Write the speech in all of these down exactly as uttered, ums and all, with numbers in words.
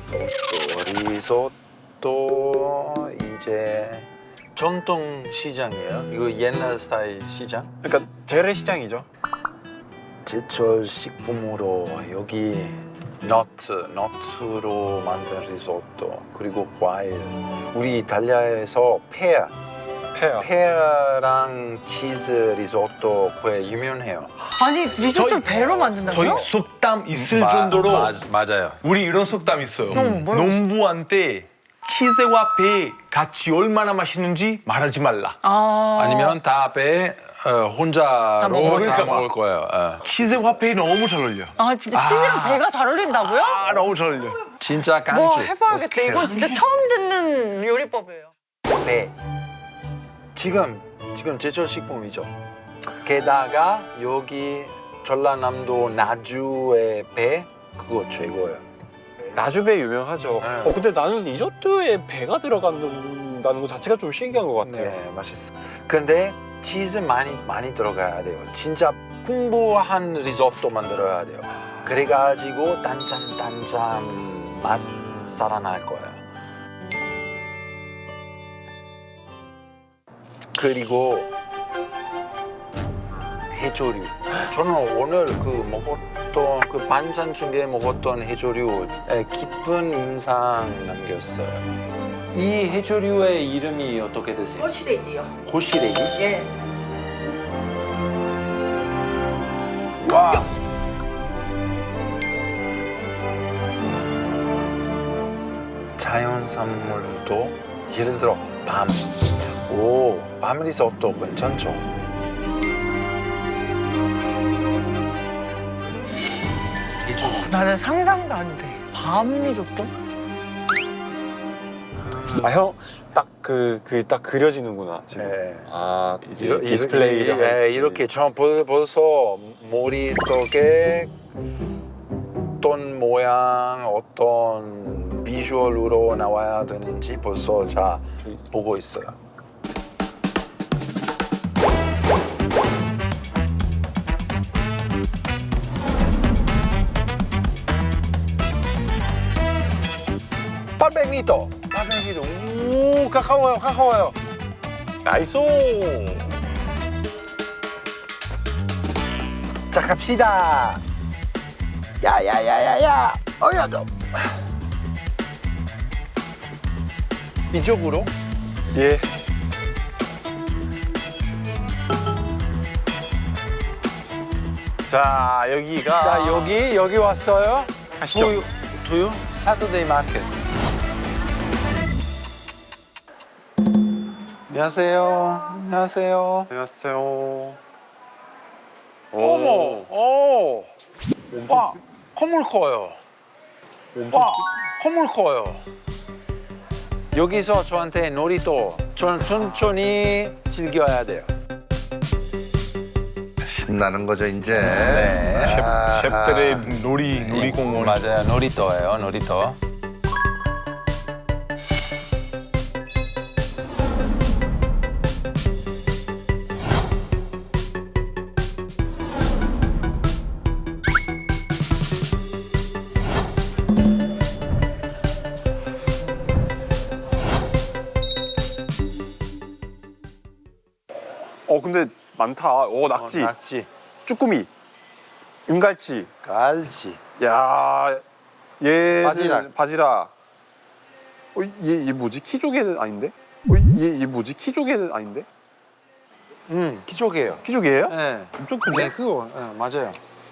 리소또 리소또 이제 전통 시장이에요. 이거 옛날 스타일 시장. 그러니까 재래시장이죠. 제철 식품으로 여기 너트, 너트로 만든 리소또 그리고 과일. 우리 이탈리아에서 페아, 페어. 페아랑 치즈 리소또 꽤 유명해요. 아니 리조또를 배로 만든다고요? 저희 속담 있을 마- 정도로 마- 맞아요. 우리 이런 속담 있어요. 어, 뭐라고 농부한테 치즈와 배 같이 얼마나 맛있는지 말하지 말라. 아 아니면 다배 어, 혼자로 먹을 다 거야. 먹을 거예요. 어. 치즈와 배 너무 잘 어울려. 아 진짜 치즈랑 배가 잘 어울린다고요? 아 너무 잘 어울려. 진짜 깐죽. 뭐 해봐야겠다. 오케이. 이건 진짜 처음 듣는 요리법이에요. 배. 지금 지금 제철 식품이죠. 게다가 여기 전라남도 나주의 배 그거 최고예요. 나주배 유명하죠. 네. 어 근데 나는 리조또에 배가 들어간다는 것 자체가 좀 신기한 것 같아요. 네, 맛있어. 근데 치즈 많이 많이 들어가야 돼요. 진짜 풍부한 리조또 만들어야 돼요. 그래가지고 단짠단짠 맛 살아날 거예요. 그리고 해조류. 저는 오늘 그 먹었던 그 반찬 중에 먹었던 해조류에 깊은 인상 남겼어요. 이 해조류의 이름이 어떻게 되세요? 꼬시래기요. 고시래기? 예. 와! 자연산물도 예를 들어 밤. 오, 밤 리조또 괜찮죠? 나는 상상도 안 돼. 밤 리조또? 아 형 딱 그 그 딱 그려지는구나 지금. 네. 아 이제 이러, 디스플레이를 이렇게, 할지. 이렇게 저 벌- 벌써 머릿속에 어떤 모양, 어떤 비주얼로 나와야 되는지 벌써 자 보고 있어요. 팔백 미터, 팔백 미터. 오, 가까워요, 가까워요. 나이스. 자, 갑시다. 야야야야야. 어야 좀. 이쪽으로? 예. 자 여기가 자, 여기 여기 왔어요. 가시죠. 두유, 두유 사turday 마켓. 안녕하세요. 안녕하세요. 안녕하세요. 어머, 오, 와, 콧물 커요. 와, 콧물 커요. 여기서 저한테 놀이도 천- 천천히 즐겨야 돼요. 신나는 거죠 이제. 네. 셰프, 셰프들의 놀이 놀이공원. 맞아요, 놀이터예요, 놀이터. 어 근데 많다. 오 낙지, 어, 낙지, 쭈꾸미, 은갈치. 갈치. 야, 얘 바지락. 바지락. 어, 얘, 얘 뭐지? 키조개는 아닌데? 어, 얘, 얘 뭐지? 키조개는 아닌데? 음, 기족이에요. 키조개예요? 네. 엄청 큰데? 네, 그거 네, 맞아요.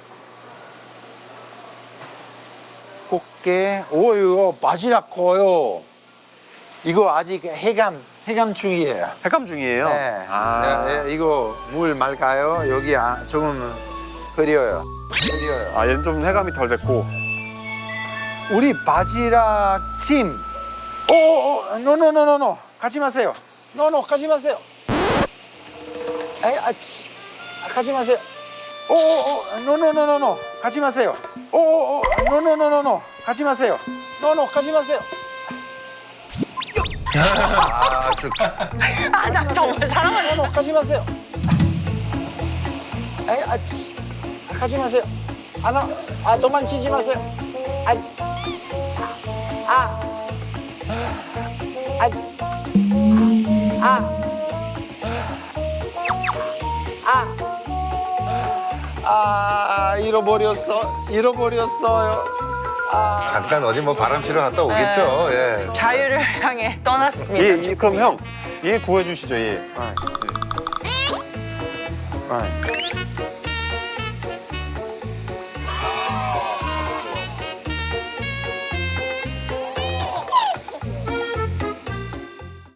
꽃게, 오 이거 바지락 커요. 이거 아직 해감 해감 중이에요. 해감 중이에요. 네. 아, 네, 네, 이거 물 맑아요. 여기 아, 조금 흐려요. 흐려요. 아, 얘는 좀 해감이 덜 됐고. 우리 바지락 팀. 오오오, 노노노노노, 가지 마세요. 노노, 가지 마세요. 에이, 아, 치. 아, 가지 마세요. 오오오, 노노노노노, 가지 마세요. 오오오, 노노노노노, 가지 마세요. 노노, 가지 마세요. 아주 아 나 정말 사랑하는 노노, 가지 마세요. 에이, 아, 치. 아, 가지 마세요. 아, 나, 아, 도망치지 마세요. 아, 아, 잃어버렸어. 잃어버렸어요. 잠깐 어디 뭐 바람 쐬러 갔다 오겠죠. 예. 자유를 향해 떠났습니다. 예, 예, 그럼 형, 얘 구해주시죠, 얘. 아, 네. 아,